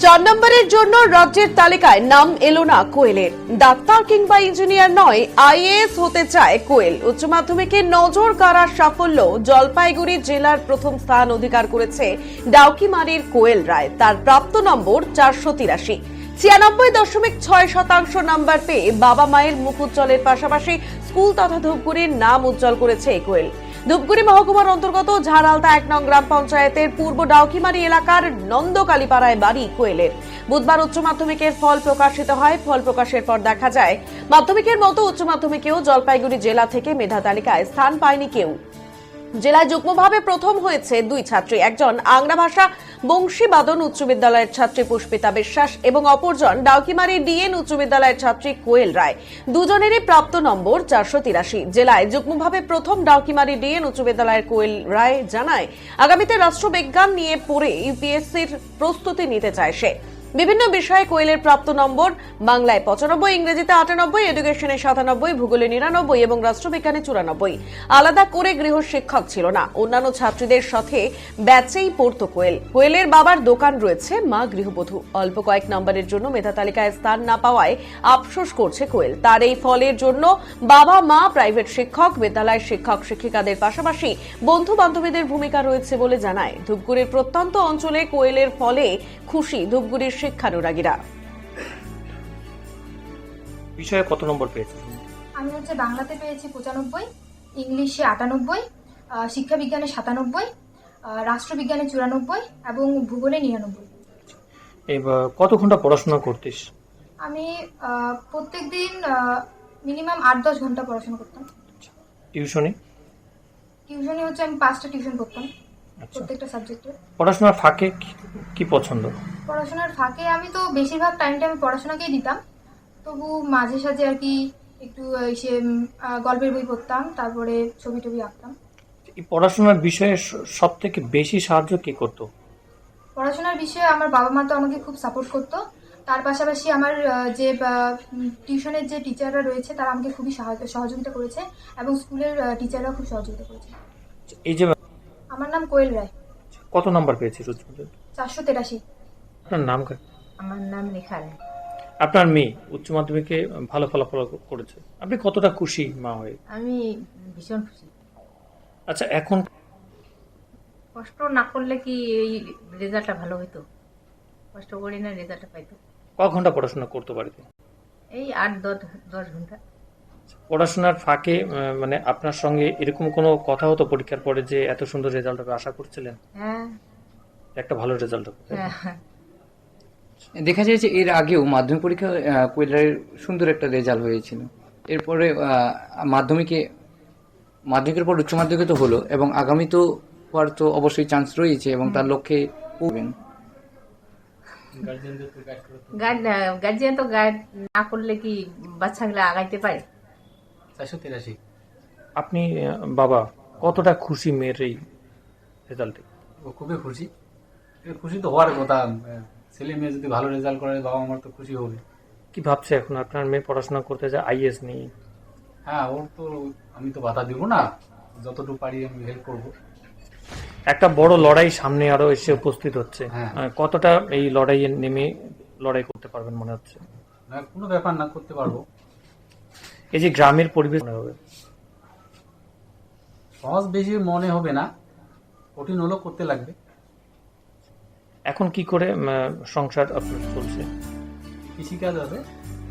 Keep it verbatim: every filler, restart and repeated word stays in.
চার নম্বরের জন্য রাজ্যের তালিকায় নাম এলো না কোয়েলের। ডাক্তার কিংবা ইঞ্জিনিয়ার নয়, আইএএস হতে চায় কোয়েল। উচ্চ মাধ্যমিকে নজর কাড়ার সাফল্য, জলপাইগুড়ি জেলার প্রথম স্থান অধিকার করেছে ডাউকিমারির কোয়েল রায়। তার প্রাপ্ত নম্বর চারশো তিরাশি। ছিয়ানব্বই দশমিক ছয় শতাংশ নাম্বার পেয়ে বাবা মায়ের মুখ উজ্জ্বলের পাশাপাশি স্কুল তথা ধূপগুড়ির নাম উজ্জ্বল করেছে এই কোয়েল। ধূপগুড়ি মহকুমার অন্তর্গত ঝাড়ালতা এক নং গ্রাম পঞ্চায়েতের পূর্ব ডাউকিমারি এলাকার নন্দকালীপাড়ায় বাড়ি কোয়েলের। বুধবার উচ্চ মাধ্যমিকের ফল প্রকাশিত হয়। ফল প্রকাশের পর দেখা যায় মাধ্যমিকের মতো উচ্চ মাধ্যমিকেও জলপাইগুড়ি জেলা থেকে মেধা তালিকায় স্থান পায়নি কেউ। জেলায় যুগ্মভাবে প্রথম হয়েছে দুই ছাত্রী, একজন আংরা ভাষা বংশীবাদন উচ্চ বিদ্যালয়ের ছাত্রী পুষ্পিতা বিশ্বাস এবং অপরজন ডাউকিমারি ডিএন উচ্চ বিদ্যালয়ের ছাত্রী কোয়েল রায়। দুজনেরই প্রাপ্ত নম্বর চারশো তিরাশি। জেলায় যুগ্মভাবে প্রথম ডাউকিমারি ডিএন উচ্চ বিদ্যালয়ের কোয়েল রায় জানায়, আগামীতে রাষ্ট্রবিজ্ঞান নিয়ে পড়ে ইউপিএসসির প্রস্তুতি নিতে চায় সে। বিভিন্ন বিষয়ে কোয়েলের প্রাপ্ত নম্বর বাংলায় পঁচানব্বই, ইংরেজিতে আটানব্বই, এডুকেশনে সাতানব্বই, ভূগোলে নিরানব্বই এবং রাষ্ট্রবিজ্ঞানে চুরানব্বই। আলাদা করে গৃহ শিক্ষক ছিল না, অন্যান্য ছাত্রীদের সাথে ব্যাচেই পড়তো কোয়েল। কোয়েলের বাবার দোকান রয়েছে, মা গৃহবধূ। অল্প কয়েক নম্বরের জন্য মেধা তালিকায় স্থান না পাওয়ায় আফসোস করছে কোয়েল। তার এই ফলের জন্য বাবা মা, প্রাইভেট শিক্ষক, বিদ্যালয়ের শিক্ষক শিক্ষিকাদের পাশাপাশি বন্ধু বান্ধবীদের ভূমিকা রয়েছে বলে জানায়। ধূপগুড়ির প্রত্যন্ত অঞ্চলে কোয়েলের ফলে খুশি ধূপগুড়ির শিক্ষানুরাগীরা। বিষয়ে কত নম্বর পেয়েছেন? আমি হচ্ছে বাংলাতে পেয়েছি পঁচানব্বই, ইংলিশে আটানব্বই, শিক্ষা বিজ্ঞানে সাতানব্বই, রাষ্ট্রবিজ্ঞানে চুরানব্বই এবং ভূগোলে নিরানব্বই। এবার কত ঘন্টা পড়াশোনা করতিস? আমি প্রত্যেক দিন মিনিমাম আট দশ ঘন্টা পড়াশোনা করতাম। টিউশনি? টিউশনি হচ্ছে আমি পাঁচটা টিউশন করতাম প্রত্যেকটা সাবজেক্টে। পড়াশোনার ফাঁকে কি পছন্দ? পড়াশোনার ফাঁকে আমি তো বেশিরভাগ টাইমটা আমি পড়াশোনাকেই দিতাম, তবু মাঝে সাঝে আর কি একটু সে গল্পের বই পড়তাম, তারপরে ছবি টবি আঁকতাম। এই পড়াশোনার বিষয়ে সব থেকে বেশি সাহায্য কে করতো? পড়াশোনার বিষয়ে আমার বাবা মা তো আমাকে খুব সাপোর্ট করতো। তার পাশাপাশি আমার যে টিউশনের যে টিচাররা রয়েছে তারা আমাকে খুবই সহযোগিতা করেছে এবং স্কুলের টিচাররা খুব সহযোগিতা করেছে। এই যে আমার নাম কোয়েল রায়। কত নাম্বার পেয়েছিস? চারশো তেরাশি। আপনার নাম? আমার নাম রেখা রায়। আপনার মেয়ে উচ্চ মাধ্যমিকে ভালো ফলাফল করেছে, আপনি কতটা খুশি মা হয়ে? আমি ভীষণ খুশি। আচ্ছা, এখন কষ্ট না করলে কি এই রেজাল্টটা ভালো হতো? কষ্ট করি না, রেজাল্টটা পাইতো। ক ঘন্টা পড়াশোনা করতে পারতে? এই আট দশ দশ ঘন্টা। পড়াশোনার ফাঁকে মানে আপনার সঙ্গে এরকম কোনো কথা হতো পরীক্ষার পরে যে এত সুন্দর রেজাল্ট হবে আশা করছিলেন? হ্যাঁ, একটা ভালো রেজাল্ট হবে। হ্যাঁ। দেখা যায় যে এর আগেও মাধ্যমিক পরীক্ষা কোয়েলের সুন্দর একটা রেজাল্ট হয়েছিল। এরপরে মাধ্যমিকে মাধ্যমিকের পর উচ্চ মাধ্যমিকে তো হলো এবং আগামী তো হওয়ার তো অবশ্যই চান্স রয়েছে এবং তার লক্ষ্যে পড়বেন। গার্জিয়ান তো গাইড না করলে কি বাচ্চাগুলো আগাইতে পারে? চারশো তিরাশি। আপনি বাবা কতটা খুশি মেয়ের এই রেজাল্টে? খুবই খুশি। খুশি তো হওয়ার কথা, ছেলে মেয়ে যদি ভালো রেজাল্ট করে বাবা আমার তো খুশি হবে। কি ভাবছে এখন আপনার মেয়ে পড়াশোনা করতে যায় আইএস নিয়ে? হ্যাঁ, ওর তো আমি তো বাধা দিব না, যতটুকু পারি আমি হেল্প করবো। একটা বড় লড়াই সামনে আরো এসে উপস্থিত হচ্ছে, হ্যাঁ। কতটা এই লড়াইয়ে নেমে লড়াই করতে পারবেন মনে হচ্ছে? না, কোনো ব্যাপার না, করতে পারবো। এই যে গ্রামের পরিবেশ মনে হবে সহজ বেশি মনে হবে না, কঠিন হলেও করতে লাগবে। এখন কি করে সংসার আপনার চলছে? কৃষিকাজ আছে,